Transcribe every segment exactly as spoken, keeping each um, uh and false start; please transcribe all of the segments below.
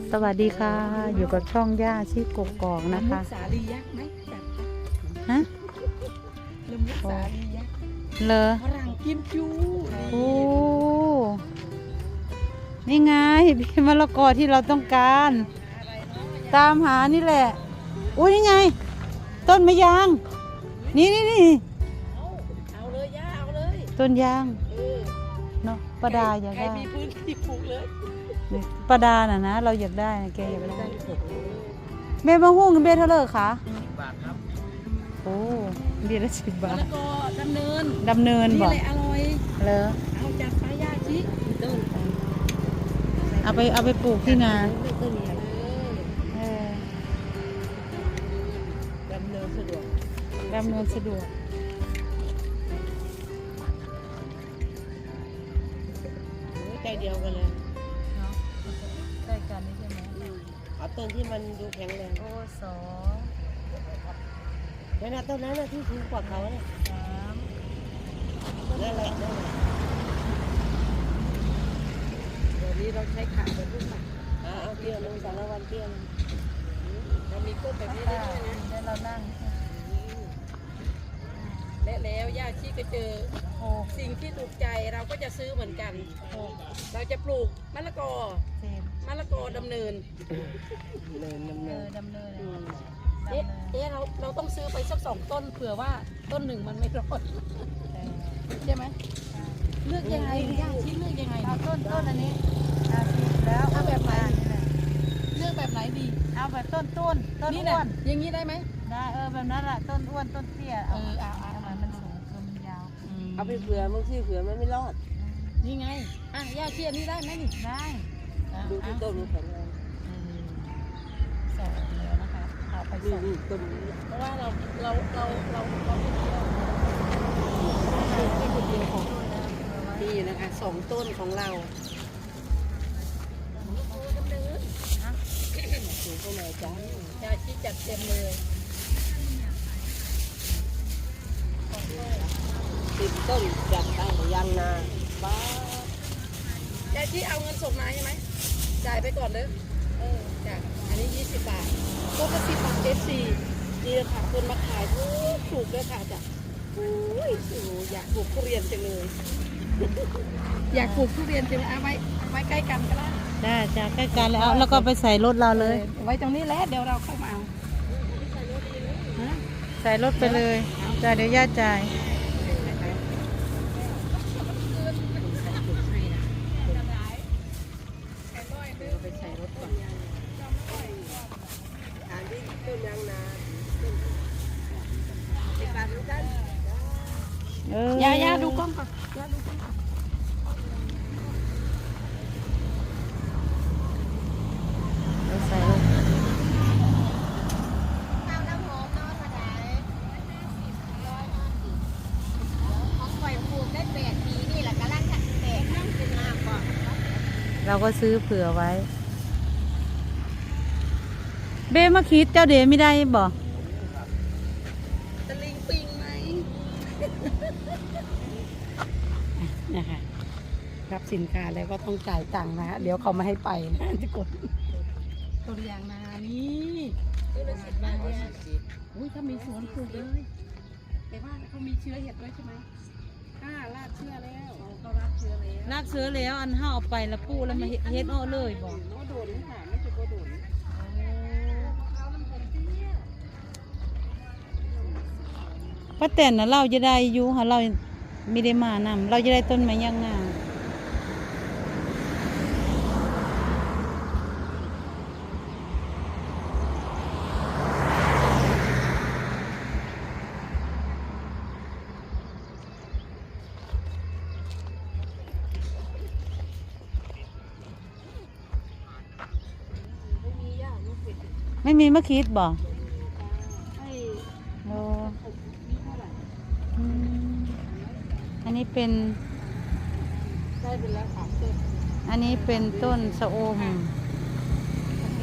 สวัสดีค่ะอยู่กับช่องย่าชีกกอกนะคะสาลียักษ์ไหมจัดฮะลมุกสาลียักษ์เลอฝรั่งกิมจูโอ้นี่ไงพี่มะละกอที่เราต้องการตามหานี่แหละอุ้ยนี่ไงต้นมะยางนี่นี่นี่เอาเอาเลยย่าเอาเลยต้นยางเออเนาะปาดาอยากใครได้มีพื้นที่ปลูกเลยปาดาน่ะนะเราอยากได้แกอยากได้เมย์มาหุ้งเบเท่าไหร่คะบาทครับโอ้เบียร์ละสิบบาทแล้วก็ดำเนินดำเนินบอกนี่แหละอร่อยเลอเอาจัดไปย่าชิต้นเอาไปเอาไปปลูกที่นาต้นใหญ่เออดำเนินสะดวกดำเนินสะดวกใจเดียวกันเลยเนาะใกล้กันนี่ใช่ไหมเอาต้นที่มันดูแข็งแรงโอ้สองนั่นน่ะต้นนั้นน่ะที่สูงกว่าเขาเนี่ยสามนั่นแหละนั่นแหละเดี๋ยวนี้เราใช้ขาเป็นลูกหมากอ่าเอาเตี้ยลงสารวันเตี้ยเรามีก้นแบบนี้ได้ด้วยนะแล้วเรานั่งและแล้วย่าชีก็เจอหกสิ่งที่ถูกใจเราก็จะซื้อเหมือนกันหกเราจะปลูกมะละกอเจ็ดมะละกอดำเนินเนินดำเอเนิอน ดำเนินอืมดำเอ๊ะเนินเอ๊ะเราเราต้องซื้อไปสักสองต้นเผื่อว่าต้นหนึ่งมันไม่รอดใช่ไหมเลือกยังไงย่าชีเลือกยังไงเอาต้นต้นอันนี้เอาสิแล้วเอาแบบไหนนี่แหละเลือกแบบไหนดีเอาแบบต้นต้นต้นนี่อ้นะวนอย่างนี้ได้ไหมได้เออแบบนั้นแหละต้นอ้วนต้นเตี้ยเออเอาเอาทำไมมันสูงเกินมันยาวเอาไปเผื่อบางทีเผื่อมันไม่รอดนี่ไงอ่ะย่าชีอันนี้ได้ไหมนี่ได้อ่ะดูที่ต้นมันแข็งแรงอืมสองแล้วนะคะเอาไปนี่สองนี่ต้นนี้เพราะว่าเราเราเราเราเราไม่เดียวไม่คนเดียวของนี่นะคะสองต้นของเราสูงก็เลยจ้ายาชีจัดเต็มเลยติดต้นจัดได้ยางนาบ้ายาชีเอาเงินส่งมาใช่ไหมจ่ายไปก่อนเลยเออจ้ะอันนี้ยี่สิบบาทต้นละสิบบาทเอฟซีนี่เลยค่ะคนมาขายถูกถูกเลยค่ะจ้ะอุ้ยโอ้โหอยากปลูกทุเรียนจังเลย อยากปลูกทุเรียนจังเลยเอาไว้ไว้ใกล้กันก็ได้ได้จ้ะใกล้กันแล้วแล้วก็ไปใส่รถเราเลยไว้ตรงนี้แหละเดี๋ยวเราเข้ามาเอาฮะใส่รถไปเลยจ่ายเดี๋ยวย่าจ่ายไปใส่รถก่อนฐานที่ต้นยางนาติดปากเหมือนกันเออย่าย่าดูกล้องก่อนย่าดูกล้องก่อนไปใส่รถข้าวน้ำหอมนอนมาได้ร้อยห้าสิบของข่อยปลูกได้แปดปีนี่แหละกำลังจะแตกนั่งเป็นน้ำก่อนเราก็ซื้อเผื่อไว้ เบ้มาคิดเจ้าเดไม่ได้บอกตะลิงปิงไหม นะคะรับสินค้าแล้วก็ต้องจ่ายตังค์นะฮะเดี๋ยวเขาไม่ให้ไปนะทุกคนตัวอย่างนานี่ตัวละสิบบาทอุ้ยถ้ามีสวนปลูกเลยแต่ว่าเขามีเชื้อเห็ดไว้ใช่ไหมอ่าราดเชื้อแล้วเขาราดเชื้อแล้วลากเสือแล้วอันห้าเอาไปแล้วปูแล้วมาเฮ็ดเฮ็ดอ้อเลยบอกโน้โดนนี่ค่ะไม่ใช่โกโดนเอาน้ำผลเตี้ยป้าแตนน่ะเราจะได้อยู่ค่ะเราไม่ได้มานำเราจะได้ต้นไม้ย่างงาไม่มีมะคิดบอกให้โอ้นี่เท่าไหร่อืมอันนี้เป็นได้เป็นแล้วสามต้นอันนี้เป็นต้นสะอมโอเค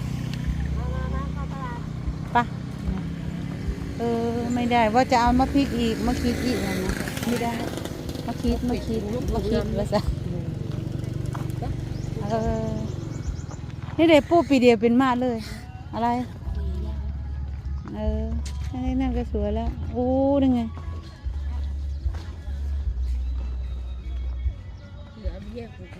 ปะเออไม่ได้ว่าจะเอามะพริกอีกมะคิดอีกนะไม่ได้มะคิดมะคิดมะคิดว่าซะเออนี่เด็กปูปีเดียวเป็นมาเลย อะไร เออนี่นั่นก็สวยแล้วโอ้ยังไงเหลือเบี้ยกู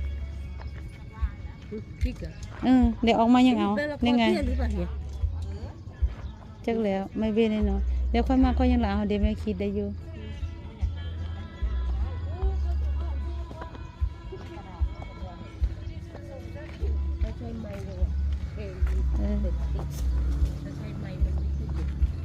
พริกเหรอเออเดี๋ยวออกมายังเอาเป็นละครนี่ไงเบี้ยหรือเปล่าเนี่ยจักแล้วไม่เว้นแน่นอนเดี๋ยวค่อยมาก็ยังหลังเอาเดี๋ยวไม่คิดได้อยู่ถ้าใช้ไม้เลยเองเออถ้าใช้ไม้มันไม่ขึ้นอยู่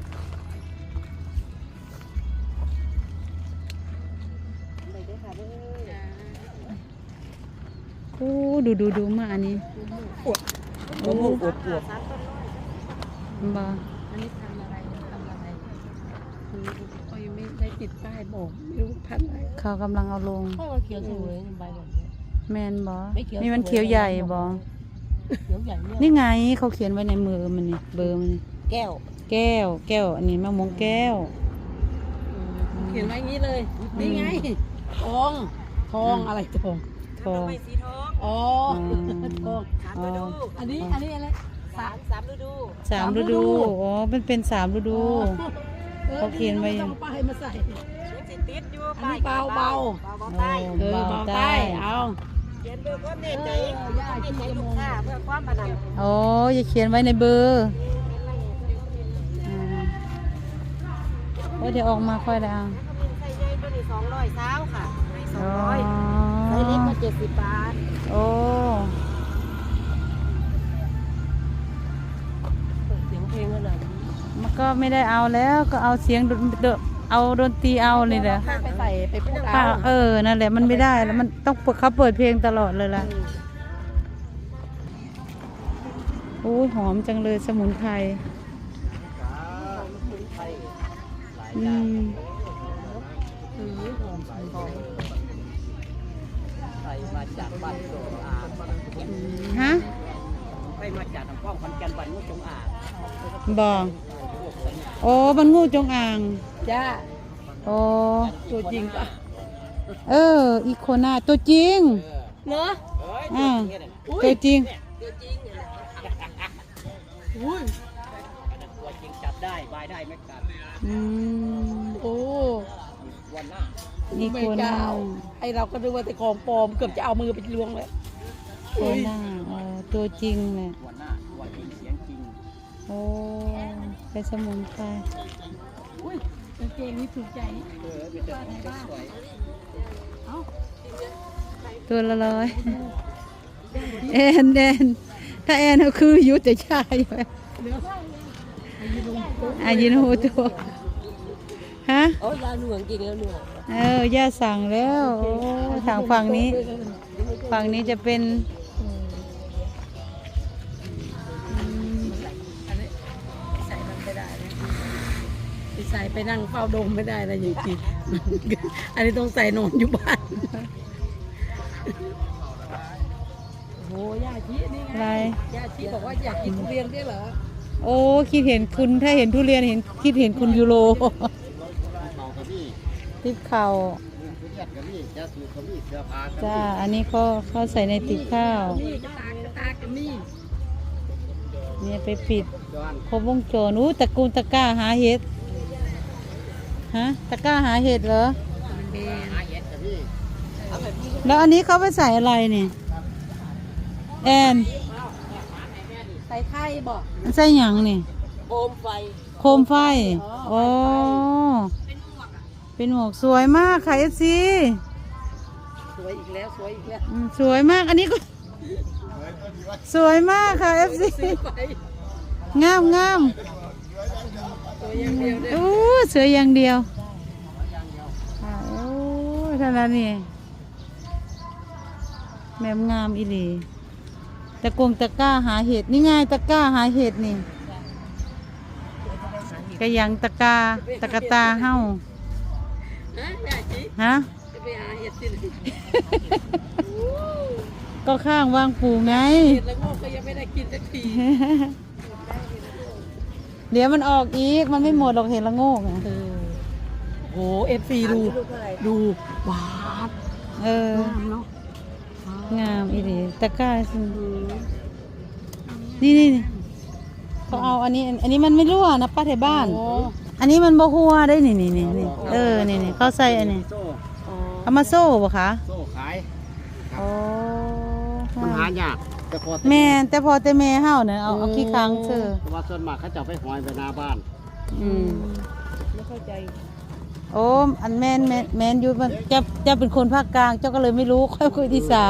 ไปเด้อค่ะเด้อโอ้ดูดูดูมาอันนี้โอ้โหอวบอวบบ่อันนี้ทำอะไรทำอะไรคือเขายังไม่ได้ติดป้ายบอกไม่รู้พันธุ์อะไรเขากำลังเอาลงพ่อเขียวสวยใบแบบนี้แมนบ่ไม่เขียวนี่มันเขียวใหญ่บ่เขียวใหญ่เนี่ยนี่ไงเขาเขียนไว้ในมือมันนี่เบอร์มันนี่แก้วแก้ว แก้ว อันนี้มะม่วงแก้วเขียนไว้อย่างนี้เลย นี่ไงทองทองอะไรทองทองสีทองอ๋ออืมทองสามฤดูอันนี้อันนี้อะไรสามสามฤดูสามฤดูอ๋อมันเป็นสามฤดู เขาเขียนไว้ต้องป้ายมาใส่ยังสิติดอยู่อันนี้เบาเบาเบาเบาใต้เออเบาใต้เอาเขียนเบอร์ความแน่ใจความแน่ใจลูกค้าเพื่อความประนันโอ้อย่าเขียนไว้ในเบอร์อืมโอ้เดี๋ยวออกมาค่อยได้เอาใส่ใหญ่ตัวนี้สองร้อยเท้าค่ะให้สองอ๋อร้อยใส่เล็กก็เจ็ดสิบบาทโอ้เสียงเพลงอะไรมันก็ไม่ได้เอาแล้วก็เอาเสียงดนดนเอาดนตรีเอาเลยแหละไปใส่ไปพูดค่ะเอาเออนั่นแหละมันไม่ได้แล้วมันต้องเปิดเขาเปิดเพลงตลอดเลยล่ะโอ้ยหอมจังเลยสมุนไพรอืมใส่มาจากบ้านโจงอ่างฮะไปมาจากทางป้องคอนแก่นบ้านมุกจงอ่างบอกโอ้มันงูจงอางจ้าโอ้ตัวจริงปะเอออีโคนาตัวจริงเนอะอ่าตัวจริงอุ้ยตัวจริงจับได้บายได้ไม่กัดอืมโอ้วันหน้าอีโคไม่นาเจ้าไอเราก็ดูว่าแต่ของปลอมเกือบจะเอามือไปล้วงเลยโคนาเออตัวจริงเลยวันหน้าวันจริงเสียงจริงโอ้เป็นสมุนไพรอุ้ยกางเกงนี่ถูกใจเออเป็นเจ้าของเจ้าสวยเอ้าตัวละร้อยแอนแอนถ้าแอนก็คืออยุติชายอยู่เหลือเท่าเลยอายุลงตัวอายินโฮตัวฮะโอ้ยาหน่วงจริงแล้วหน่วงเออย่าสั่งแล้วโอ้ทางฝั่งนี้ ฝั่งนี้จะเป็นอันนี้ใส่มันไม่ได้นะไปใส่ไปนั่งเฝ้าโดมไม่ได้นะอย่างจริงอันนี้ต้องใส่นอนอยู่บ้านโอ้ย่าชีนี่ไงอะไรย่าชีบอกว่าอยากกินทุเรียนด้วยเหรอโอ้คิดเห็นคุณถ้าเห็นทุเรียนเห็นคิดเห็นคุณยูโรเขากระบี่ติบเข่าทุเรียนกระบี่จะสูบกระบี่เสื้อผ้าจ้าอันนี้เขาเขาใส่ในติบข้าวนี่กระตากกระตากกันนี่เนี่ยไปปิดจอนครบวงจรอู้ตะกูลตะกร้าหาเห็ดฮะตะกร้าหาเห็ดเหรอมันเบนหาเย็ดกระบี่เอาแบบนี้แล้วอันนี้เขาไปใส่อะไรเนี่ยแอนใส่ไข่บอกมันใส่หยังนี่โคมไฟโคมไฟโอ้เป็นหมวกสวยมากค่ะเอฟซีสวยอีกแล้วสวยอีกแล้วสวยมากอันนี้ก็ สวยมากค่ะเอฟซีซื้อไปงามงามสวยอย่างเดียวเลยโอ้สวยอย่างเดียวค่ะโอ้เท่านั้นนี่แม่มงามอีหลีตะกงตะกร้าหาเห็ดนี่ไงตะกร้าหาเห็ดนี่กระยังตะกร้าตะกะตาเฮ้าฮะย่าชีฮะจะไปหาเห็ดที่ไหนก็ข้างวางปูไงเห็ดแล้วงอกก็ยังไม่ได้กินสักทีเดี๋ยวมันออกอีกมันไม่หมดหรอกเห็นละโงกอะเออโหเอฟซีดูลูกเท่าไหร่ดูหวานเอองามเนาะงามอีหลีตะกร้าสิอืมนี่นี่นี่เขาเอาอันนี้ อันนี้มันไม่รั่วนะป้าแถวบ้านโอ้อันนี้มันบ่หัวได้นี่นี่นี่นี่เออนี่นี่เขาใส่อันนี้โซ่อ๋อเอามาโซ่บ่คะโซ่ขายโอ้มันหายากแต่พอแม่นแต่พอแต่แม่เฮาเนี่ยเอาเอาขี้ค้างเธอเพราะว่าส่วนมากเขาจะเอาไปหอยไปหน้าบ้านอืมไม่เข้าใจโอ้อันแม่นแม่นแม่นอยู่มันจะจะเป็นคนภาคกลางเจ้าก็เลยไม่รู้ค่อยคุยอีสาน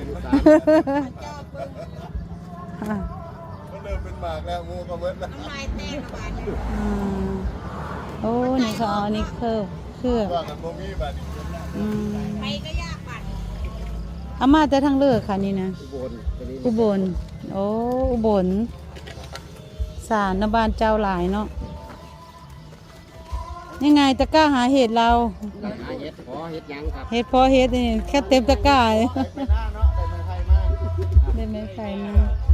ก็เริ่มเป็นหมากแล้วงูก็เบิดแล้วน้ำลายแตกกระบาดเนี่ยอืมโอ้นี่เขาเอาอันนี้เครื่องเครื่องว่ากันบ่มีบาดนี้อืมไปก็ยากบัดเอามาแต่ทางเลือกค่ะนี่นะอุบลตัวนี้อุบล โอ้ อุบล สารนบานเจ้าหลายเนาะ ยังไงตะกร้าหาเห็ดเราหาเห็ดขอเห็ดหยังครับเห็ดพอเห็ดนี่แค่เต็มตะกร้าเลยไปหน้าเนาะไปไม้ไผ่มาได้ไหมไข่มา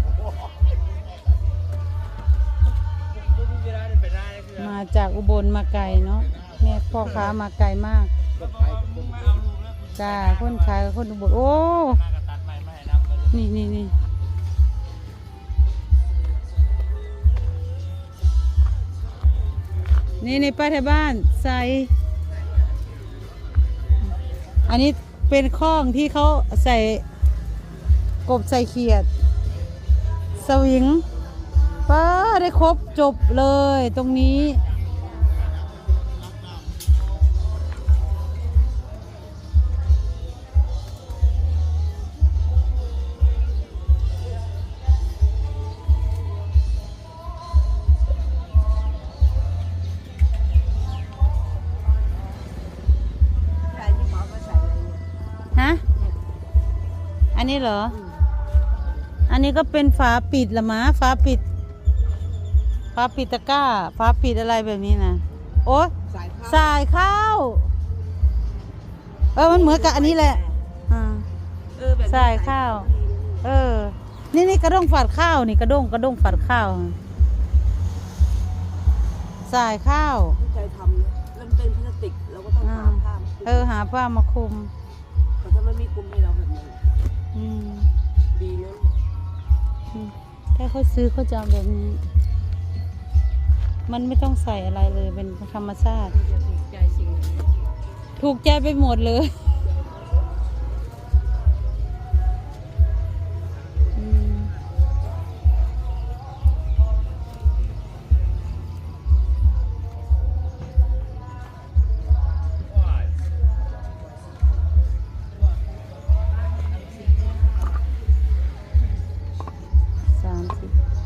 มาจากอุบลมาไกลเนาะแม่พ่อค้ามาไกลมากก็ขายกับคนจ้า คนขายกับคนอุบลโอ้ นี่นี่นี่นี่ในป้าแถวบ้านใส่ อันนี้เป็นข้องที่เขาใส่กบใส่เขียด สวิงป้าได้ครบจบเลยตรงนี้ใส่ที่หมอมาใส่อะไรเนี่ยฮะ อันนี้เหรอ อันนี้ก็เป็นฝาปิดละมะฝาปิด ฝาปิดตะกร้า ฝาปิดอะไรแบบนี้นะโอ๊ยใส่ข้าวสายข้าว เออ มันเหมือนกับอันนี้แหละอ่าเออแบบนี้ใส่ข้าว เออ นี่นี่กระด้งฝัดข้าวนี่กระด้งกระด้งฝัดข้าวสายข้าวที่ใจทำเนี่ยเริ่มเป็นพลาสติกเราก็ต้องหาผ้ามาคลุมเออ หาผ้ามาคลุมแต่ถ้าไม่มีคลุมให้เราแบบนี้อืมดีนะอืมถ้าเขาซื้อเขาจะเอาแบบนี้ มันไม่ต้องใส่อะไรเลยเป็นธรรมชาติจะถูกใจสิ่งนี้ถูกใจไปหมดเลยอืมสามสิบ